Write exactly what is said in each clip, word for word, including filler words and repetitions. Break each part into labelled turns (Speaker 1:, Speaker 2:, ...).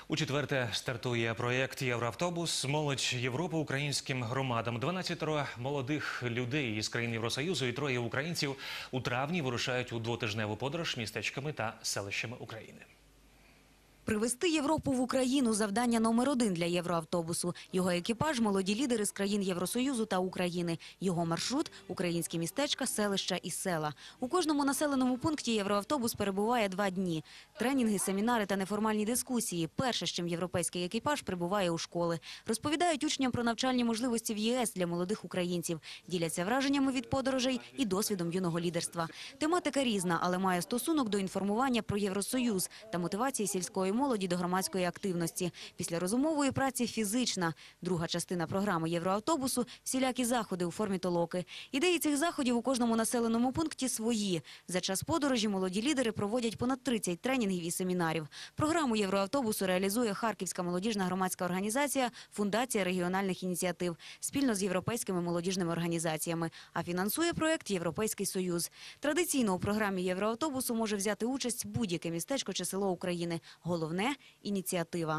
Speaker 1: У четверте стартує проєкт «Євроавтобус. Молодь Європи українським громадам». дванадцятеро молодих людей із країн Євросоюзу і троє українців у травні вирушають у двотижневу подорож містечками та селищами України.
Speaker 2: Привезти Європу в Україну – завдання номер один для євроавтобусу. Його екіпаж – молоді лідери з країн Євросоюзу та України. Його маршрут – українські містечка, селища і села. У кожному населеному пункті євроавтобус перебуває два дні. Тренінги, семінари та неформальні дискусії – перше, з чим європейський екіпаж прибуває у школи. Розповідають учням про навчальні можливості в ЄС для молодих українців. Діляться враженнями від подорожей і досвідом юного лідерства. Тематика різна, але має стосунок до інформування про Євросоюз та мотивації сільської молоді до громадської активності. Після розумової праці фізична. Друга частина програми євроавтобусу – всілякі заходи у формі толоки. Ідеї цих заходів у кожному населеному пункті свої. За час подорожі молоді лідери проводять понад тридцять тренінгів і семінарів. Програму євроавтобусу реалізує Харківська молодіжна громадська організація «Фундація регіональних ініціатив» спільно з європейськими молодіжними організаціями. А фінансує проєкт «Європейський Союз». Традиційно у програмі євроавтобусу може взяти участь будь-яке містечко чи село України. Головне – ініціатива.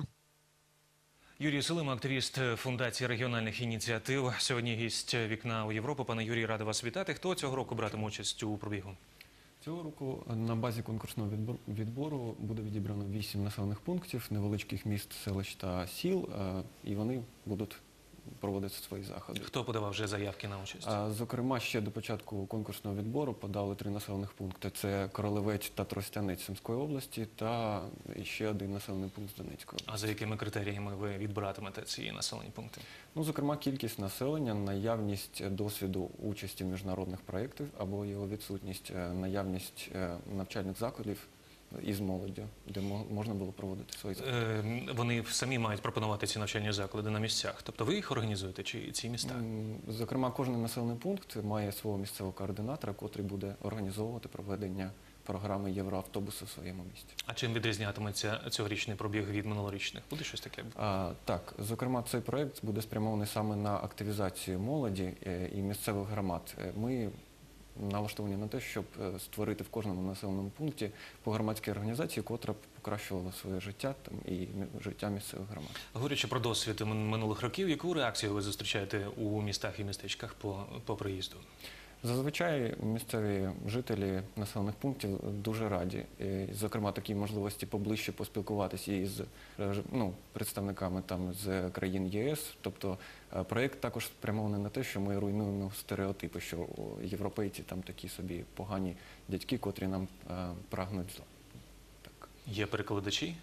Speaker 1: Юрій Силима, активіст Фундації регіональних ініціатив. Сьогодні гість «Вікна у Європу». Пане Юрій, радий вас вітати. Хто цього року братиме участь у пробігу?
Speaker 3: Цього року на базі конкурсного відбору буде відібрано вісім населених пунктів, невеличких міст, селищ та сіл, і вони будуть проводити свої заходи.
Speaker 1: Хто подавав вже заявки на участь?
Speaker 3: Зокрема, ще до початку конкурсного відбору подали три населених пункти. Це Королевець та Тростянець Сумської області та ще один населений пункт з Донецької області.
Speaker 1: А за якими критеріями ви відбиратимете ці населені пункти?
Speaker 3: Ну, зокрема, кількість населення, наявність досвіду участі в міжнародних проєктах або його відсутність, наявність навчальних закладів із молоддю, де можна було проводити свої заходи.
Speaker 1: Е, вони самі мають пропонувати ці навчальні заклади на місцях. Тобто ви їх організуєте чи ці міста?
Speaker 3: Зокрема, кожен населений пункт має свого місцевого координатора, котрий буде організовувати проведення програми «Євроавтобусу» в своєму місті.
Speaker 1: А чим відрізнятиметься цьогорічний пробіг від минулорічних? Буде щось таке?
Speaker 3: А, так, зокрема, цей проєкт буде спрямований саме на активізацію молоді і місцевих громад. Ми налаштовані на те, щоб створити в кожному населеному пункті по громадській організації, котра б покращувала своє життя там, і життя місцевих громад.
Speaker 1: Говорячи про досвід минулих років, яку реакцію ви зустрічаєте у містах і містечках по, по приїзду?
Speaker 3: Зазвичай місцеві жителі населених пунктів дуже раді. І, зокрема, такі можливості поближче поспілкуватися із ну, представниками там, з країн ЄС. Тобто проєкт також спрямований на те, що ми руйнуємо стереотипи, що європейці там такі собі погані дядьки, котрі нам а, прагнуть зла. Так.
Speaker 1: Є перекладачі?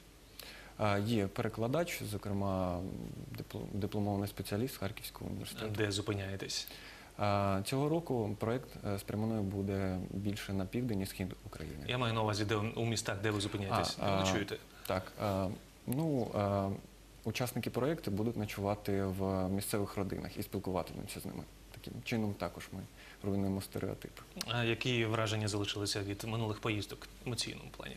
Speaker 3: А, є перекладач, зокрема, дипломований спеціаліст Харківського університету.
Speaker 1: Де зупиняєтесь?
Speaker 3: Цього року проєкт спрямований буде більше на південь і схід України.
Speaker 1: Я маю на увазі, де, у містах, де ви зупиняєтесь, де ви ночуєте?
Speaker 3: Так. А, ну, а, учасники проєкту будуть ночувати в місцевих родинах і спілкуватимуться з ними. Таким чином також ми руйнуємо стереотипи.
Speaker 1: А які враження залишилися від минулих поїздок в емоційному плані?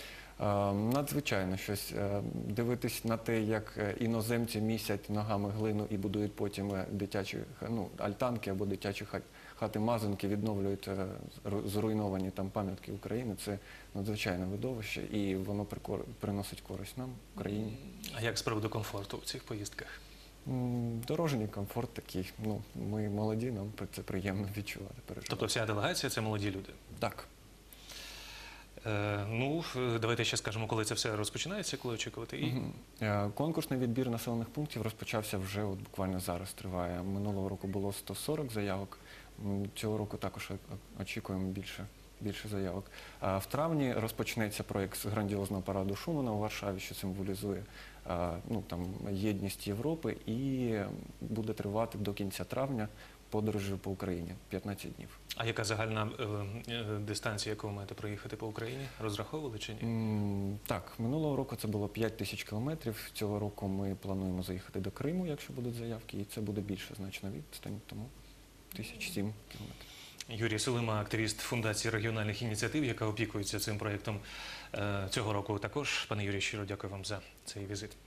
Speaker 3: Надзвичайно щось. Дивитись на те, як іноземці місять ногами глину і будують потім дитячі ну, альтанки або дитячі хати-мазанки, відновлюють зруйновані там пам'ятки України. Це надзвичайне видовище і воно приносить користь нам, Україні.
Speaker 1: А як з приводу комфорту в цих поїздках?
Speaker 3: Дорожній комфорт такий. Ну, ми молоді, нам це приємно відчувати, переживати.
Speaker 1: Тобто вся делегація – це молоді люди?
Speaker 3: Так.
Speaker 1: Е, ну, давайте ще скажемо, коли це все розпочинається, коли очікувати. І...
Speaker 3: Угу. Конкурсний відбір населених пунктів розпочався вже от буквально зараз, триває. Минулого року було сто сорок заявок, цього року також очікуємо більше, більше заявок. А в травні розпочнеться проєкт з грандіозного параду Шумана у Варшаві, що символізує ну, там, єдність Європи, і буде тривати до кінця травня подорожі по Україні, п'ятнадцять днів.
Speaker 1: А яка загальна е, е, дистанція, яку ви маєте проїхати по Україні? Розраховували чи ні?
Speaker 3: Mm, так, минулого року це було п'ять тисяч кілометрів. Цього року ми плануємо заїхати до Криму, якщо будуть заявки, і це буде більше значно відстань, тому тисяч сім кілометрів.
Speaker 1: Юрій Силима, активіст Фундації регіональних ініціатив, яка опікується цим проєктом е, цього року також. Пане Юрій, щиро дякую вам за цей візит.